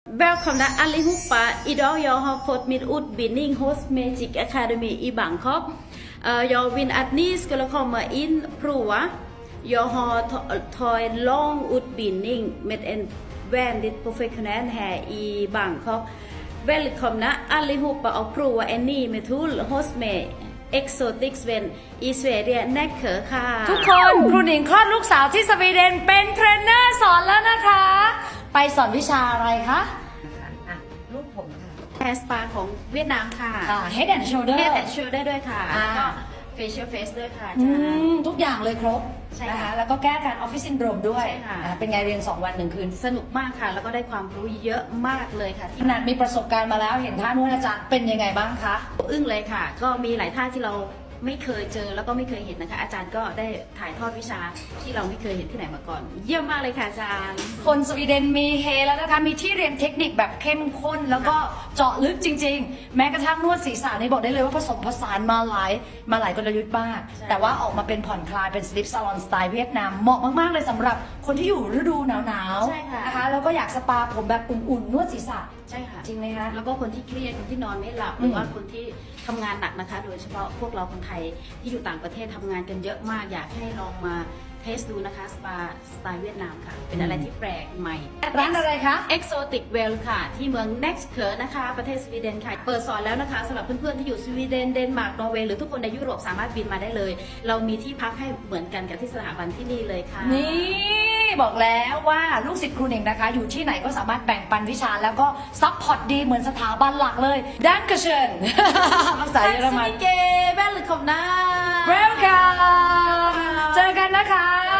Välkomna allihopa! Idag jag har fått min utbildning hos Magic Academy i Bangkok. Jag vill att ni skulle komma in och prova. Jag har tagit en lång utbildning med en väldigt professionell här i Bangkok. Välkomna allihopa och prova en ny metod hos mig. Exotic Sven อีสวีเดนนักเขอค่ะทุกคนครูหนิงคลอดลูกสาวที่สวีเดนเป็นเทรนเนอร์สอนแล้วนะคะ ไปสอนวิชาอะไรคะลูกผมค่ะแฮร์สปาของเวียดนามค่ะ Head and Shoulder Head and Shoulder ด้วยค่ะแล้วก็ Facial Face ด้วยค่ะทุกอย่างเลยครบใช่นะค่ะคะแล้วก็แก้การออฟฟิศซินโดรมด้วยใช่ค่ะเป็นไงเรียน2 วัน1 คืนสนุกมากค่ะ แล้วก็ได้ความรู้เยอะมากเลยค่ะขที่นาดมีประสบการณ์มาแล้วเห็นท่านวดอาจารย์เป็นยังไงบ้างคะอึ้งเลยค่ะ ก็มีหลายท่าที่เราไม่เคยเจอแล้วก็ไม่เคยเห็นนะคะ อาจารย์ก็ได้ถ่ายทอดวิชาที่เราไม่เคยเห็นที่ไหนมาก่อน เยี่ยมมากเลยค่ะอาจารย์คนสวีเดนมีเฮแล้วนะคะ มีที่เรียนเทคนิคแบบเข้มข้น แล้วก็เจาะลึกจริง ๆ แม้กระทั่งนวดศีรษะนี่บอกได้เลยว่าผสมผสานมาหลายกลยุทธ์มากใช่แต่ว่าออกมาเป็นผ่อนคลายเป็นสลิปซาลอนสไตล์เวียดนามเหมาะมากๆเลยสำหรับคนที่อยู่ฤดูหนาวใช่ค่ะๆนะคะแล้วก็อยากสปาผมแบบอุ่นๆนวดศีรษะใช่ค่ะจริงไหมคะแล้วก็คนที่เครียดคนที่นอนไม่หลับหรือว่าคนที่ทำงานหนักนะคะ โดยเฉพาะพวกเราคนไทยที่อยู่ต่างประเทศทำงานกันเยอะมาก อยากให้ลองมาเทสดูนะคะสปาสไตล์เวียดนามค่ะ เป็นอะไรที่แปลกใหม่ร้านอะไรคะ Exotic Well ค่ะ ที่เมือง Next เขอนะคะ ประเทศสวีเดนค่ะ เปิดสอนแล้วนะคะสำหรับเพื่อนๆที่อยู่สวีเดนเดนมาร์กนอร์เวย์หรือทุกคนในยุโรปสามารถบินมาได้เลย เรามีที่พักให้เหมือนกันกับที่สถาบันที่นี่เลยค่ะนี่บอกแล้วว่าลูกศิษย์ครูหนิงนะคะ อยู่ที่ไหนก็สามารถแบ่งปันวิชาแล้วก็ซัพพอร์ตดีเหมือนสถาบันหลักเลยดันกเชิญภาษาเยอรมันเกแบลเลยขอบนะ Welcome เจอกันนะคะ